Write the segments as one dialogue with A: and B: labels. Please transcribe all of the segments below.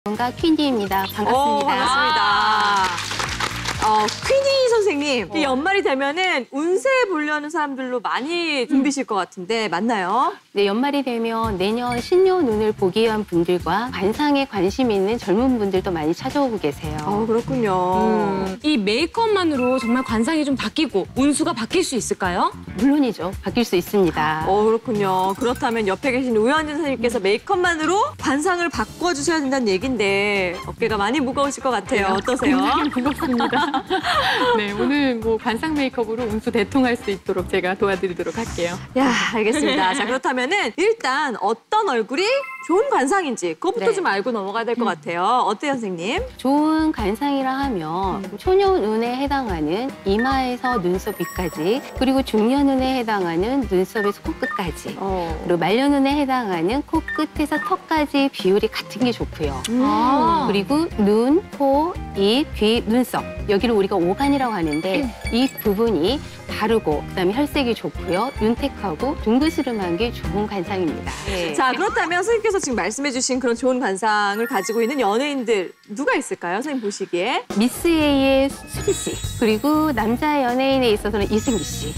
A: 건가 퀸디입니다. 반갑습니다.
B: 반갑습니다. 퀸이 선생님, 이 연말이 되면은 운세 보려는 사람들로 많이 붐비실 것 같은데 맞나요?
A: 네, 연말이 되면 내년 신년운을 보기 위한 분들과 관상에 관심 있는 젊은 분들도 많이 찾아오고 계세요.
B: 그렇군요.
C: 이 메이크업만으로 정말 관상이 좀 바뀌고 운수가 바뀔 수 있을까요?
A: 물론이죠. 바뀔 수 있습니다.
B: 그렇군요. 그렇다면 옆에 계신 우현진 선생님께서 메이크업만으로 관상을 바꿔주셔야 된다는 얘긴데 어깨가 많이 무거우실 것 같아요. 어떠세요?
D: 굉장히 무겁습니다. 네, 오늘 뭐 관상 메이크업으로 운수 대통할 수 있도록 제가 도와드리도록 할게요.
B: 야, 알겠습니다. 자, 그렇다면은 일단 어떤 얼굴이 좋은 관상인지 그것부터
A: 네.
B: 좀 알고 넘어가야 될 것 같아요. 어때요, 선생님?
A: 좋은 관상이라 하면 초년운에 해당하는 이마에서 눈썹 위까지, 그리고 중년운에 해당하는 눈썹에서 코끝까지, 그리고 말년운에 해당하는 코끝에서 턱까지 비율이 같은 게 좋고요. 그리고 눈, 코, 입, 귀, 눈썹, 여기를 우리가 오간이라고 하는데 이 부분이 바르고 그다음에 혈색이 좋고요. 윤택하고 둥그스름한 게 좋은 관상입니다. 네.
B: 자, 그렇다면 선생님께서 지금 말씀해주신 그런 좋은 관상을 가지고 있는 연예인들 누가 있을까요? 선생님 보시기에.
A: 미스 A의 수지 씨, 그리고 남자 연예인에 있어서는 이승기 씨.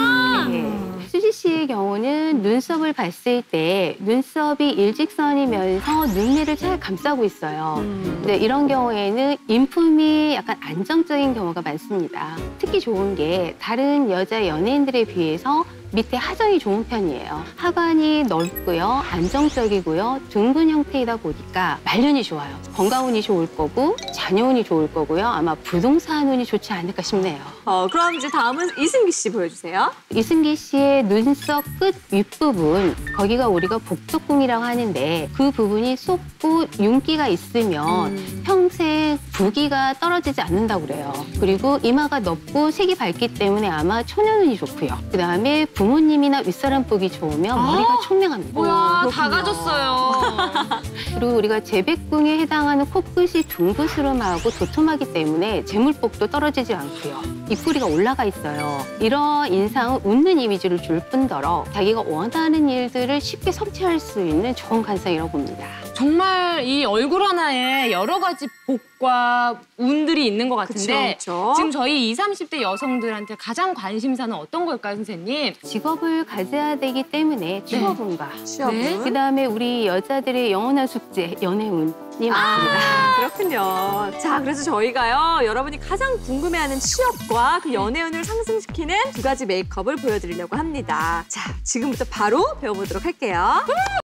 A: 네. 수지 씨의 경우는 눈썹을 봤을 때 눈썹이 일직선이면서 눈매를 잘 감싸고 있어요. 근데 이런 경우에는 인품이 약간 안정적인 경우가 많습니다. 특히 좋은 게 다른 여자 연예인들에 비해서 밑에 하정이 좋은 편이에요. 하관이 넓고요, 안정적이고요, 둥근 형태이다 보니까 말년이 좋아요. 건강운이 좋을 거고 자녀운이 좋을 거고요. 아마 부동산 운이 좋지 않을까 싶네요.
B: 그럼 이제 다음은 이승기 씨 보여주세요.
A: 이승기 씨의 눈썹 끝 윗부분, 거기가 우리가 복덕궁이라고 하는데 그 부분이 쏟고 윤기가 있으면 평생 부기가 떨어지지 않는다고 그래요. 그리고 이마가 넓고 색이 밝기 때문에 아마 초년운이 좋고요. 그다음에 부모님이나 윗사람 보기 좋으면 머리가 총명합니다.
C: 뭐야,
B: 그렇군요.
C: 다 가졌어요.
A: 그리고 우리가 재백궁에 해당하는 코끝이 둥그스름하고 도톰하기 때문에 재물복도 떨어지지 않고요. 입꼬리가 올라가 있어요. 이런 인상은 웃는 이미지를 줄 뿐더러 자기가 원하는 일들을 쉽게 성취할 수 있는 좋은 관상이라고 봅니다.
C: 정말 이 얼굴 하나에 여러 가지 복과 운들이 있는 것 같은데
B: 그쵸.
C: 지금 저희 20, 30대 여성들한테 가장 관심사는 어떤 걸까요, 선생님?
A: 직업을 가져야 되기 때문에 취업운과
B: 취업은?
A: 그다음에 우리 여자들의 영원한 숙제, 연애운이 많습니다.
B: 그렇군요. 자, 그래서 저희가요, 여러분이 가장 궁금해하는 취업과 그 연애운을 상승시키는 두 가지 메이크업을 보여드리려고 합니다. 자, 지금부터 바로 배워보도록 할게요.